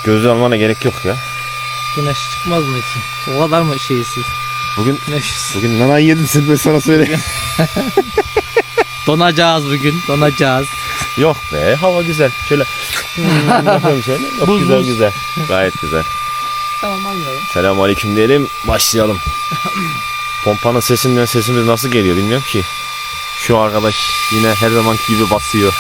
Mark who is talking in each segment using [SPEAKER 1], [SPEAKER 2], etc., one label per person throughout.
[SPEAKER 1] Gözlüğü almana gerek yok ya.
[SPEAKER 2] Güneş çıkmaz mı için? O kadar mı şeysiz?
[SPEAKER 1] Bugün nanayı yedin sen, ben sana söyleyeyim.
[SPEAKER 2] Donacağız bugün, donacağız.
[SPEAKER 1] Yok be, hava güzel. Şöyle yapıyorum şöyle. Yok,
[SPEAKER 2] Buz,
[SPEAKER 1] güzel
[SPEAKER 2] buz.
[SPEAKER 1] güzel. Gayet güzel.
[SPEAKER 2] Tamam anlıyorum.
[SPEAKER 1] Selamünaleyküm diyelim, başlayalım. Pompanın sesinden sesimiz nasıl geliyor bilmiyorum ki. Şu arkadaş yine her zamanki gibi basıyor.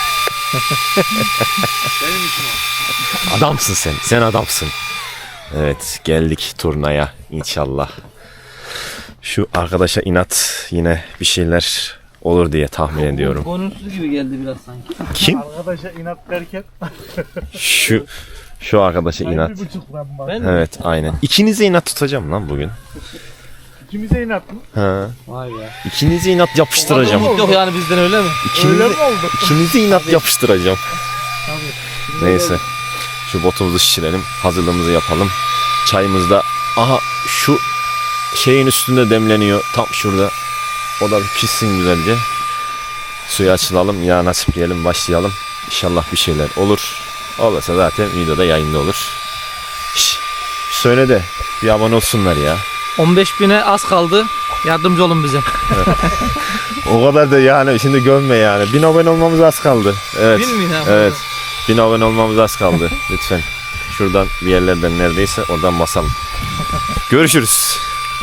[SPEAKER 1] Adamsın sen, sen adamsın. Evet, geldik turnaya inşallah. Şu arkadaşa inat, yine bir şeyler olur diye tahmin ediyorum.
[SPEAKER 2] Bonussuz gibi geldi biraz sanki.
[SPEAKER 1] Kim?
[SPEAKER 3] Arkadaşa inat derken
[SPEAKER 1] Şu arkadaşa inat.
[SPEAKER 3] 1,5 var.
[SPEAKER 2] Ben
[SPEAKER 1] Evet, aynen. İkinize inat tutacağım lan bugün.
[SPEAKER 3] İkimize inat mı?
[SPEAKER 1] Ha.
[SPEAKER 2] Vay be.
[SPEAKER 1] İkinize inat yapıştıracağım.
[SPEAKER 2] Yok yani bizden öyle mi?
[SPEAKER 3] Öyle mi oldu?
[SPEAKER 1] İkinize inat yapıştıracağım.
[SPEAKER 2] Tabii.
[SPEAKER 1] Neyse. Şu botumuzu şişirelim. Hazırlığımızı yapalım. Çayımız da aha şu şeyin üstünde demleniyor. Tam şurada. O da bir pişsin güzelce. Suyu açılalım. Ya nasip diyelim, başlayalım. İnşallah bir şeyler olur. Olursa zaten videoda yayında olur. Şş, söyle de bir abone olsunlar ya.
[SPEAKER 2] 15.000'e az kaldı. Yardımcı olun bize.
[SPEAKER 1] O kadar da yani şimdi gömme yani. 1000 abone olmamız az kaldı. Evet.
[SPEAKER 2] 1000 mi?
[SPEAKER 1] Evet. 1000 abone olmamız az kaldı. Lütfen. Şuradan bir yerlerden neredeyse oradan basalım. Görüşürüz.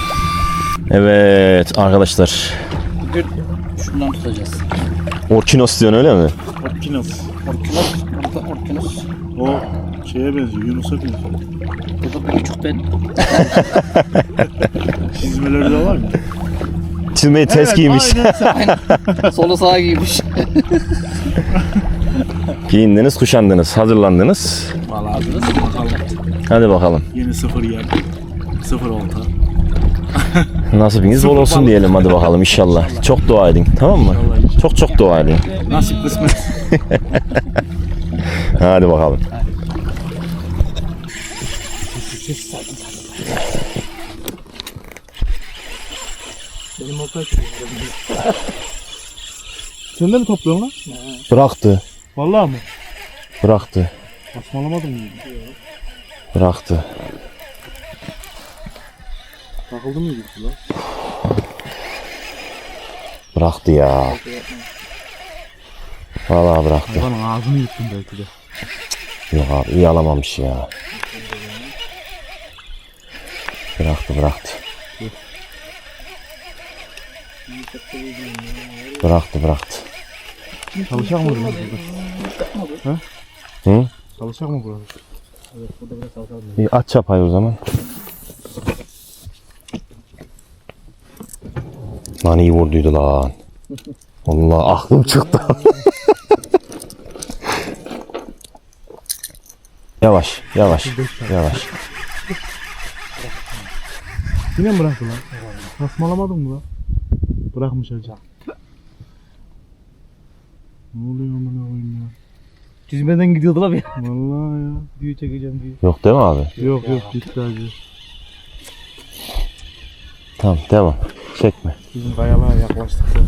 [SPEAKER 1] Evet arkadaşlar.
[SPEAKER 2] Şundan tutacağız.
[SPEAKER 1] Orkinos diyorsun öyle mi?
[SPEAKER 3] Orkinos.
[SPEAKER 2] Orkinos.
[SPEAKER 3] O şeye benziyor, Yunus'a benziyor.
[SPEAKER 2] Bu da bir küçük ben.
[SPEAKER 3] Çizmeleri de var mı?
[SPEAKER 1] Çizmeyi ters giymiş.
[SPEAKER 3] Aynen.
[SPEAKER 2] Solu sağa giymiş.
[SPEAKER 1] Giyindiniz, kuşandınız, hazırlandınız.
[SPEAKER 2] Vallahi hazırız. Bakalım.
[SPEAKER 1] Hadi bakalım.
[SPEAKER 3] Yeni 0 yer. 0 olta.
[SPEAKER 1] Nasibiniz bol olsun diyelim hadi bakalım inşallah. Çok dua edin, tamam mı? Çok çok dua edin.
[SPEAKER 3] Nasip kısmet.
[SPEAKER 1] Hadi bakalım.
[SPEAKER 2] Benim olta
[SPEAKER 3] Sen de mi topluyorsun lan?
[SPEAKER 1] Bıraktı,
[SPEAKER 3] Vallahi mı?
[SPEAKER 1] bıraktı,
[SPEAKER 3] Basmalamadın mı?
[SPEAKER 1] bıraktı.
[SPEAKER 3] Takıldı mı gitti lan?
[SPEAKER 1] Bıraktı ya. Vallahi bıraktı.
[SPEAKER 3] Hayvanın ağzını yuttum belki de.
[SPEAKER 1] Yok abi, iyi alamamış ya. Bıraktı. Bıraktı.
[SPEAKER 3] Çalışacak mı burası? Ha?
[SPEAKER 1] Hı?
[SPEAKER 3] Çalışacak mı burası?
[SPEAKER 1] İyi, aç çapayı o zaman. Lan iyi vurduydu lan. Allah aklım çıktı. Yavaş.
[SPEAKER 3] Yine mi bıraktı lan? Basmalamadın mı lan? Bırakmış hacı. Ne oluyor amına koyayım ya?
[SPEAKER 2] Çizmeden gidiyordu la bir.
[SPEAKER 3] Vallahi ya.
[SPEAKER 2] Düğü çekeceğim diye.
[SPEAKER 1] Yok değil mi abi?
[SPEAKER 3] Yok gitti hacı.
[SPEAKER 1] Tamam devam. Çekme.
[SPEAKER 3] Bizim kayalığa yaklaştık ya.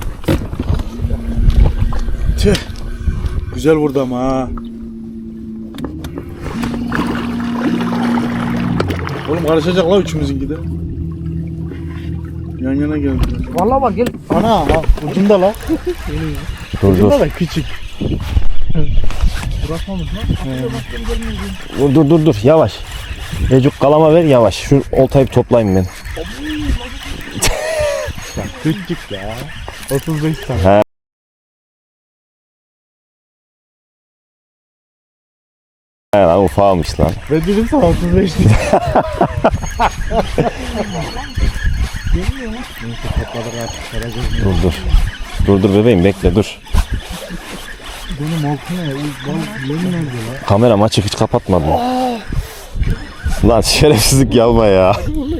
[SPEAKER 3] Tüh. Güzel vurdu ama ha. Oğlum karışacak la üçümüzünki de. Yan yana geldi.
[SPEAKER 2] Vallahi bak gel.
[SPEAKER 3] Ana ha ucunda la.
[SPEAKER 1] Dur.
[SPEAKER 3] Ucunda da küçük. Bırakmamış lan.
[SPEAKER 1] Dur. Yavaş. Ecuk kalama ver yavaş. Şu oltayı bir toplayayım ben.
[SPEAKER 3] Küçük ya. 35 tane.
[SPEAKER 1] He. He lan ufağmış lan.
[SPEAKER 3] Ben dedim sana 35 diye. Neyse topladık artık. Karagöz ne?
[SPEAKER 1] Dur bebeğim bekle dur.
[SPEAKER 3] Benim oltu ne? Benim nerede la?
[SPEAKER 1] Kameram açık hiç kapatmadım. Lan şerefsizlik yapma ya.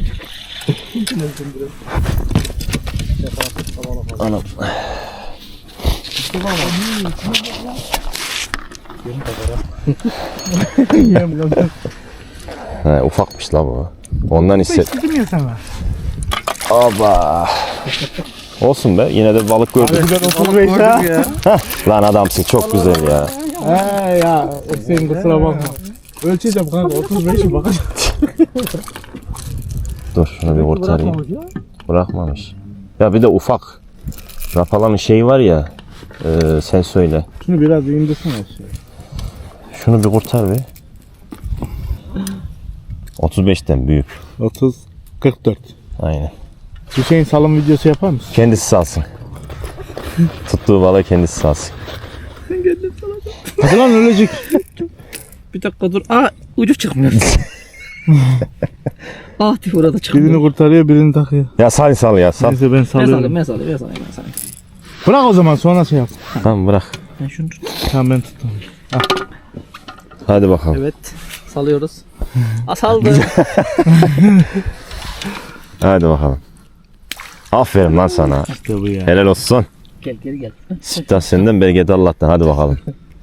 [SPEAKER 1] Anam. He, ufakmış la bu. Ondan hisset.
[SPEAKER 3] İstedim ya sana.
[SPEAKER 1] Aba. Olsun be yine de balık gördük.
[SPEAKER 3] Ben 35 ha.
[SPEAKER 1] Lan adamsın çok güzel ya.
[SPEAKER 3] He ya. Senin kusura bakma. Ölçeceğim kanka 35'i bakacağım.
[SPEAKER 1] Dur şunu bir kurtarayım. Bırakmamış. Ya bir de ufak. Rapalanın şeyi var ya. Sen söyle.
[SPEAKER 3] Şunu biraz indirsene aşağıya.
[SPEAKER 1] Şunu bir kurtar be. 35'ten büyük.
[SPEAKER 3] 30 44.
[SPEAKER 1] Aynen.
[SPEAKER 3] Hüseyin salım videosu yapar mısın?
[SPEAKER 1] Kendisi salsın. Tuttuğu balığı kendisi salsın.
[SPEAKER 3] Hadi lan ölecek.
[SPEAKER 2] Bir dakika dur. Aa ucu çıkmıyor. Ah tüh orada çıkmıyor.
[SPEAKER 3] Birini kurtarıyor birini takıyor.
[SPEAKER 1] Ya sal ya sal.
[SPEAKER 3] Neyse ben
[SPEAKER 2] Ben
[SPEAKER 3] salıyorum.
[SPEAKER 2] salayım.
[SPEAKER 3] Bırak o zaman sonra şey yap.
[SPEAKER 1] Tamam bırak.
[SPEAKER 2] Ben şunu tut.
[SPEAKER 3] Tamam ben tuttum.
[SPEAKER 1] Hadi bakalım.
[SPEAKER 2] Evet. Salıyoruz. Saldı.
[SPEAKER 1] Hadi bakalım. Aferin lan sana.
[SPEAKER 3] İşte bu ya.
[SPEAKER 1] Helal olsun.
[SPEAKER 2] Gel geri gel.
[SPEAKER 1] Siftah senden belki Allah'tan. Hadi bakalım.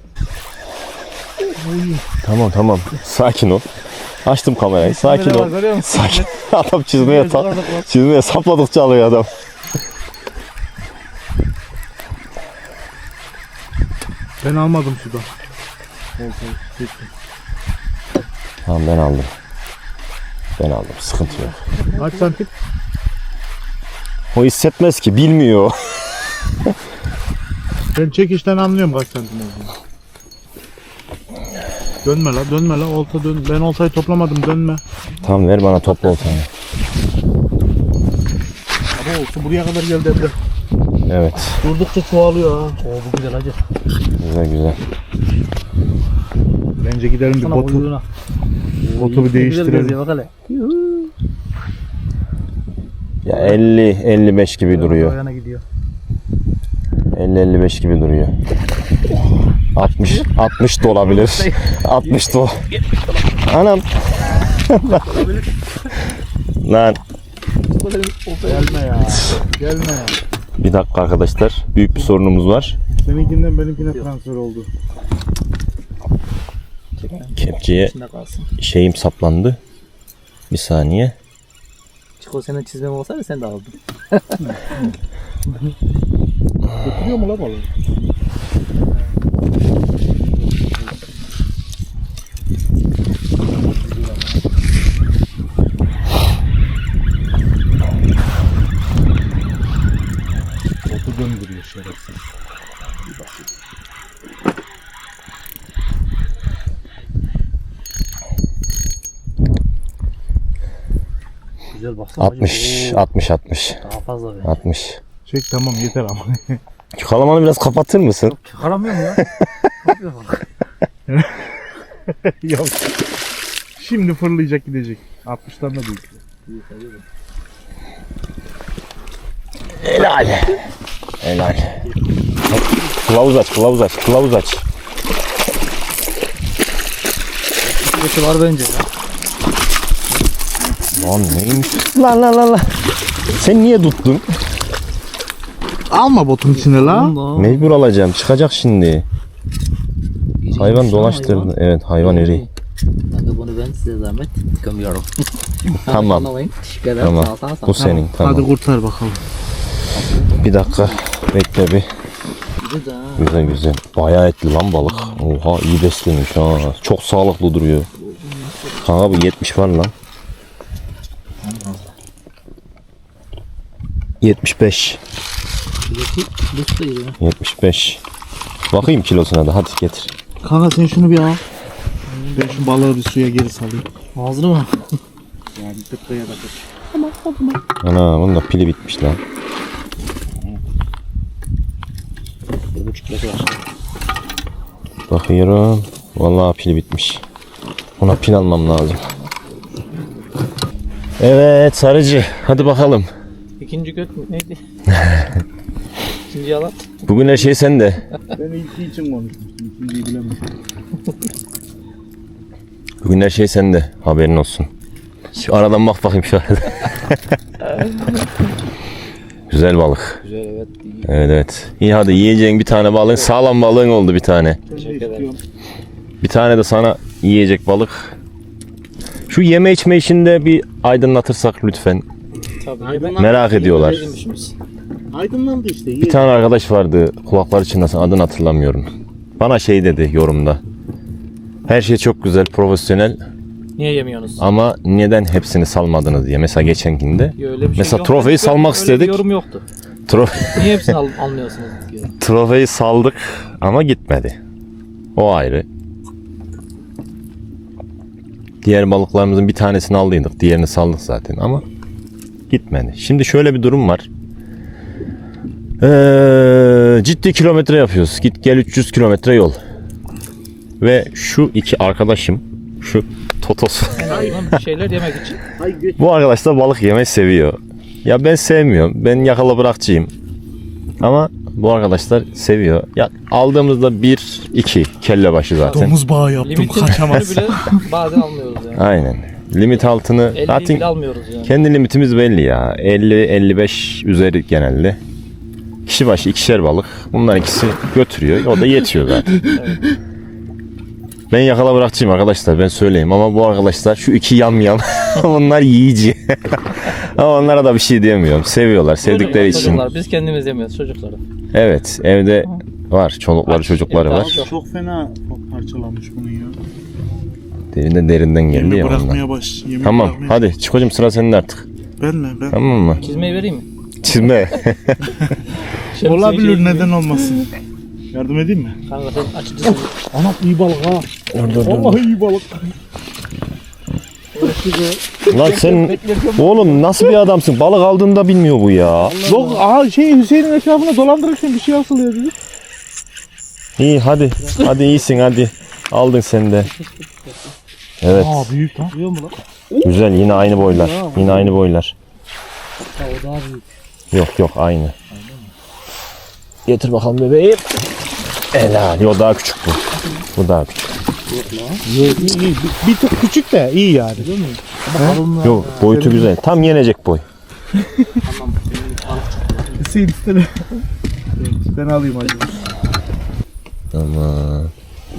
[SPEAKER 1] Tamam. Sakin ol. Açtım kamerayı. Sakin ol. Sakin. Adam çizmeye sapladıkça alıyor adam.
[SPEAKER 3] Ben almadım sudan.
[SPEAKER 1] Tamam ben aldım. Sıkıntı yok.
[SPEAKER 3] Kaç santim?
[SPEAKER 1] O hissetmez ki. Bilmiyor.
[SPEAKER 3] Ben çekişten anlıyorum kaç santim olduğunu. Dönme la olta dön. Ben oltayı toplamadım dönme.
[SPEAKER 1] Tamam ver bana topla oltanı.
[SPEAKER 3] Ama olta buraya kadar geldi Emre.
[SPEAKER 1] Evet.
[SPEAKER 3] Durdukça çoğalıyor ha.
[SPEAKER 2] Oo bu güzel hacı.
[SPEAKER 1] Güzel.
[SPEAKER 3] Bence gidelim bir
[SPEAKER 2] Sana
[SPEAKER 3] botu
[SPEAKER 2] uyuğuna.
[SPEAKER 3] bir değiştirelim.
[SPEAKER 2] Bak hele.
[SPEAKER 1] Ya 50-55 gibi duruyor.
[SPEAKER 2] Ayağına gidiyor.
[SPEAKER 1] 50-55 gibi duruyor. 60 da olabilir. 60 da Anam. Lan.
[SPEAKER 3] Gelme ya.
[SPEAKER 1] Bir dakika arkadaşlar. Büyük bir sorunumuz var.
[SPEAKER 3] Seninkinden benimkine transfer oldu.
[SPEAKER 1] Kepçeye
[SPEAKER 2] İçinde kalsın.
[SPEAKER 1] şeyim saplandı. Bir saniye.
[SPEAKER 2] Çiko senin çizmem olsaydı sen de aldın.
[SPEAKER 3] Götürüyor mu la balığı? Botu döndürüyor şerefsiz.
[SPEAKER 2] Güzel baksana.
[SPEAKER 1] 60.
[SPEAKER 2] Daha fazla be.
[SPEAKER 1] 60.
[SPEAKER 3] Çek tamam yeter ama.
[SPEAKER 1] Şu kalamanı biraz kapatır mısın?
[SPEAKER 2] Çıkaramıyorum ya. Ne yapıyor bak.
[SPEAKER 3] Yok. Şimdi fırlayacak gidecek. 60'tan da büyük.
[SPEAKER 1] Helal. Kılavuz aç.
[SPEAKER 2] Birisi var bence ya.
[SPEAKER 1] Lan neymiş? Lan. Sen niye tuttun?
[SPEAKER 3] Alma botun içine la.
[SPEAKER 2] Allah.
[SPEAKER 1] Mecbur alacağım. Çıkacak şimdi. Hayvan dolaştırdı. Evet hayvan iri.
[SPEAKER 2] Kanka bunu ben size zahmet gömüyorum.
[SPEAKER 1] Tamam.
[SPEAKER 2] Anlamayın. Teşekkür ederim.
[SPEAKER 1] Tamam.
[SPEAKER 2] Sağ ol.
[SPEAKER 1] Bu senin. Tamam.
[SPEAKER 3] Hadi kurtar bakalım.
[SPEAKER 1] Bir dakika. Bekle bir. Güzel. Bayağı etli lan balık. Oha iyi beslemiş ha. Çok sağlıklı duruyor. Kanka bu 70 var lan. 75. 75. Bakayım kilosuna da hadi getir.
[SPEAKER 3] Kanka sen şunu bir al. Ben şu balığı bir suya geri salayım.
[SPEAKER 2] Ağzını mı?
[SPEAKER 3] Yani tıkaya da tut.
[SPEAKER 1] Ana bunun da pili bitmiş lan.
[SPEAKER 2] 1,5 kilosu var.
[SPEAKER 1] Bakıyorum. Vallahi pili bitmiş. Ona pil almam lazım. Evet sarıcı. Hadi bakalım.
[SPEAKER 2] İkinci göt mü? Neydi? İkinci yalan.
[SPEAKER 1] Bugün her şey sende.
[SPEAKER 3] Ben ilki için konuşmuştum. İkinciyi bilemedim.
[SPEAKER 1] Bugün her şey sende. Haberin olsun. Şu aradan bak bakayım şu arada. Güzel balık.
[SPEAKER 2] Güzel evet. İyi.
[SPEAKER 1] Evet. İyi hadi yiyeceğin bir tane balığın. Sağlam balığın oldu bir tane.
[SPEAKER 2] Teşekkür ederim.
[SPEAKER 1] Bir tane de sana yiyecek balık. Şu yeme içme işinde bir aydınlatırsak lütfen.
[SPEAKER 2] Tabii.
[SPEAKER 1] Merak ediyorlar.
[SPEAKER 3] Aydınlandı işte.
[SPEAKER 1] Bir tane arkadaş vardı kulaklar içinde adını hatırlamıyorum. Bana şey dedi yorumda. Her şey çok güzel, profesyonel
[SPEAKER 2] Niye yemiyorsunuz?
[SPEAKER 1] ama neden hepsini salmadınız diye. Mesela geçenkinde.
[SPEAKER 2] Ya öyle bir şey
[SPEAKER 1] Mesela
[SPEAKER 2] yok.
[SPEAKER 1] trofeyi
[SPEAKER 2] Öyle-
[SPEAKER 1] salmak
[SPEAKER 2] öyle
[SPEAKER 1] istedik.
[SPEAKER 2] Bir yorum yoktu. Niye hepsini almıyorsunuz diye.
[SPEAKER 1] Trofeyi saldık ama gitmedi. O ayrı. Diğer balıklarımızın bir tanesini aldıydık. Diğerini saldık zaten ama gitmedi. Şimdi şöyle bir durum var. Ciddi kilometre yapıyoruz. Git gel 300 kilometre yol. Ve şu iki arkadaşım, şu Totos.
[SPEAKER 2] En azından bir şeyler yemek için.
[SPEAKER 1] Bu arkadaşlar balık yemeyi seviyor. Ya ben sevmiyorum. Ben yakala bırakçıyım. Ama bu arkadaşlar seviyor. Ya aldığımızda 1-2 kelle başı zaten.
[SPEAKER 3] Domuz bağı yaptım
[SPEAKER 2] Limitin
[SPEAKER 3] kaçamaz.
[SPEAKER 2] bile bazen almıyoruz yani.
[SPEAKER 1] Aynen. Limit altını
[SPEAKER 2] 50'yi
[SPEAKER 1] zaten
[SPEAKER 2] bile almıyoruz yani.
[SPEAKER 1] kendi limitimiz belli ya. 50-55 üzeri genelde. Kişi başı ikişer balık. Bunlar ikisi götürüyor. O da yetiyor zaten. Ben yakala bırakçıyım arkadaşlar, ben söyleyeyim, ama bu arkadaşlar şu iki yam bunlar yiyici. Ama onlara da bir şey diyemiyorum. Seviyorlar, sevdikleri için.
[SPEAKER 2] Çocuklar, biz kendimiz yemiyoruz çocukları.
[SPEAKER 1] Evet, evde var çolukları çocukları
[SPEAKER 2] evde
[SPEAKER 1] var.
[SPEAKER 2] az yok.
[SPEAKER 3] Çok fena parçalanmış bunun ya.
[SPEAKER 1] Derinde derinden geldi
[SPEAKER 3] Yemi
[SPEAKER 1] ya ondan.
[SPEAKER 3] bırakmaya baş. Yemi
[SPEAKER 1] Tamam
[SPEAKER 3] bırakmaya-
[SPEAKER 1] hadi çıkocum, sıra sende artık.
[SPEAKER 3] Ben mi? Ben.
[SPEAKER 1] Tamam mı?
[SPEAKER 2] Çizmeyi vereyim mi?
[SPEAKER 1] Çizme.
[SPEAKER 3] Olabilir, neden olmasın? Yardım edeyim mi?
[SPEAKER 2] Kanka sen açıcısın.
[SPEAKER 3] Anam iyi balık ha.
[SPEAKER 1] Dur.
[SPEAKER 3] Vallahi iyi balık.
[SPEAKER 1] Lan sen oğlum nasıl bir adamsın? Balık aldığında bilmiyor bu ya.
[SPEAKER 3] Yok aha Hüseyin'in etrafına dolandırırken bir şey asılıyor dedi.
[SPEAKER 1] İyi hadi. Hadi iyisin hadi. Aldın sen de. Evet.
[SPEAKER 3] Aa büyük lan.
[SPEAKER 2] Duyuyor mu lan?
[SPEAKER 1] Güzel, yine aynı boylar. Yine aynı boylar.
[SPEAKER 2] Ha, o daha büyük.
[SPEAKER 1] Yok aynı. Getir bakalım bebeğim. Helal. O daha küçük bu. Bu daha küçük.
[SPEAKER 3] İyi. Bir tık küçük de iyi yani. Değil mi?
[SPEAKER 1] Yok boyutu güzel. Tam yenecek boy.
[SPEAKER 2] Tamam.
[SPEAKER 3] Hüseyin istene. Ben alayım hadi.
[SPEAKER 1] Tamam.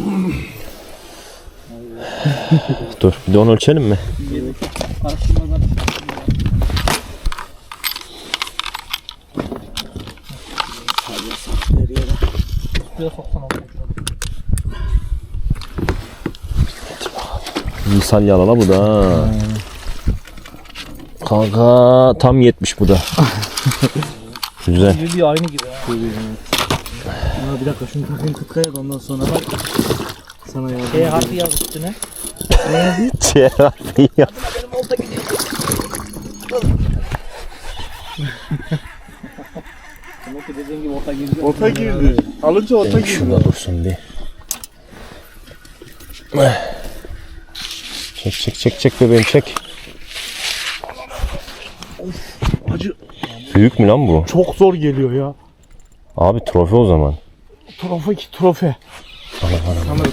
[SPEAKER 1] Dur bir de onu ölçelim mi?
[SPEAKER 2] Karıştırmadan. Şuraya soksana oğlum.
[SPEAKER 1] Misal yalala bu da. Ha. Kanka tam 70 bu da. Güzel.
[SPEAKER 2] Bir aynı gibi ha.
[SPEAKER 3] Bir dakika şunu takayım kıtkaya da ondan sonra bak. Sana yardım
[SPEAKER 2] T harfi yaz üstüne.
[SPEAKER 1] Cerrahi yap.
[SPEAKER 2] Benim olta gidiyor. Demek ki dediğin gibi olta girdi.
[SPEAKER 3] Ota girdi. Alınca ota girdi.
[SPEAKER 1] Şurada dursun bir. Çek bebeğim çek.
[SPEAKER 3] Acı
[SPEAKER 1] Büyük mü lan bu?
[SPEAKER 3] çok zor geliyor ya.
[SPEAKER 1] Abi trofe o zaman.
[SPEAKER 3] Trofe ki trofe. Sanırım.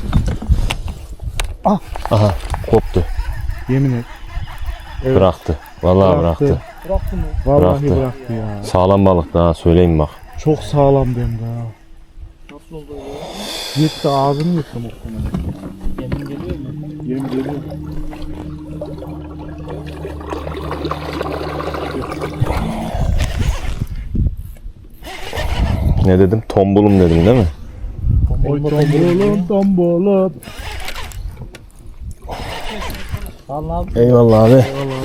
[SPEAKER 1] Aha koptu.
[SPEAKER 3] Yemin et. Evet.
[SPEAKER 1] Bıraktı. Vallahi bıraktı.
[SPEAKER 2] Bıraktı mı?
[SPEAKER 3] Vallahi
[SPEAKER 1] Bıraktı.
[SPEAKER 3] bıraktı ya.
[SPEAKER 1] Sağlam balık daha söyleyeyim bak.
[SPEAKER 3] Çok sağlam hem de ha.
[SPEAKER 2] Nasıl oldu ya?
[SPEAKER 3] Yetti ağzını yetti muhtemelen.
[SPEAKER 2] Yemin geliyor mu?
[SPEAKER 3] Yem geliyor.
[SPEAKER 1] Ne dedim? Tombulum dedim değil mi?
[SPEAKER 3] Oy tombolum tombolum.
[SPEAKER 2] Vallahi
[SPEAKER 1] Eyvallah abi.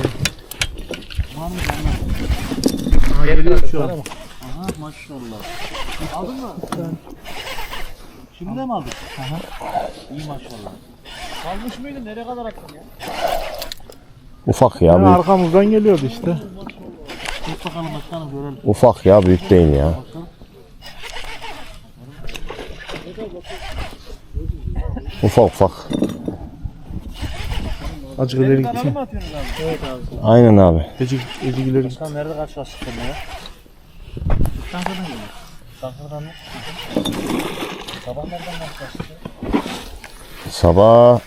[SPEAKER 3] Geliyor şu an.
[SPEAKER 2] Aha maşallah. Aldın mı? Şimdi de mi aldın? Aha. İyi maşallah. Kalmış mıydın? Nereye kadar attın ya?
[SPEAKER 1] Ufak ya
[SPEAKER 3] Yani
[SPEAKER 1] büyük.
[SPEAKER 3] arkamızdan geliyordu işte.
[SPEAKER 2] Tut bakalım başkanım görelim.
[SPEAKER 1] Ufak ya büyük değil ya. Ufak.
[SPEAKER 3] Azıcık ileri gitsin.
[SPEAKER 2] Evet abi.
[SPEAKER 1] Aynen abi.
[SPEAKER 3] Ecik ileri git.
[SPEAKER 2] Sen nerede karşılaştık seninle ya? Çankırı'dan geliyor. Çankırı'dan mı? Sabah nereden karşılaştık?
[SPEAKER 1] Sabah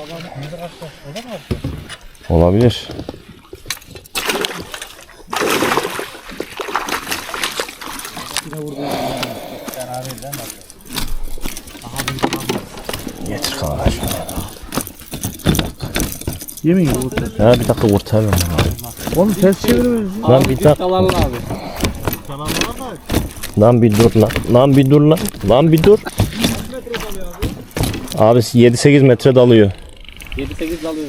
[SPEAKER 1] olabilir. Getir kanka şunu.
[SPEAKER 3] Yemin gibi orta.
[SPEAKER 1] Ya bir dakika kurtaralım.
[SPEAKER 3] Onu ters çeviririz.
[SPEAKER 1] Lan bir dakika.
[SPEAKER 2] Kalarlı abi.
[SPEAKER 1] Lan bir dur lan. Lan bir dur lan. Lan bir dur. Abi 7-8 metre dalıyor.
[SPEAKER 2] 7-8 dalıyor.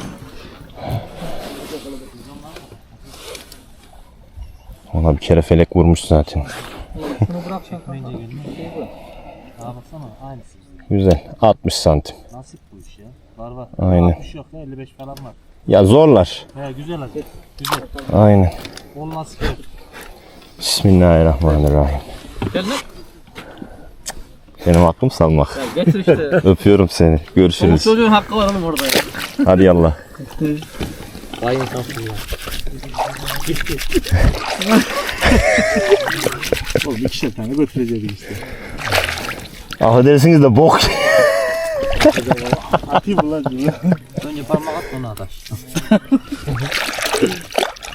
[SPEAKER 1] Ona bir kere felek vurmuş zaten.
[SPEAKER 2] Şunu bırak sen. Bence gelme. Şeyi bırak. Aa baksana aynısı.
[SPEAKER 1] Güzel. 60 santim.
[SPEAKER 2] Nasip bu iş ya. Var.
[SPEAKER 1] Aynen.
[SPEAKER 2] 60 yok ya 55 falan var.
[SPEAKER 1] Ya zorlar.
[SPEAKER 2] He güzel hadi. Güzel.
[SPEAKER 1] Aynen.
[SPEAKER 2] Ol nasip yok.
[SPEAKER 1] Bismillahirrahmanirrahim.
[SPEAKER 2] Gel lan.
[SPEAKER 1] Benim hakkım salmak.
[SPEAKER 2] Getir işte.
[SPEAKER 1] Öpüyorum seni.
[SPEAKER 2] Çoluk
[SPEAKER 1] Görüşürüz.
[SPEAKER 2] çocuğun hakkı var oğlum orada ya.
[SPEAKER 1] Hadi yallah.
[SPEAKER 2] Vay insansın ya.
[SPEAKER 3] Oğlum 2'şer tane götürecektik işte.
[SPEAKER 1] Affedersiniz de bok.
[SPEAKER 3] Atayım mı lan şunu?
[SPEAKER 2] Önce parmak at ona ataş.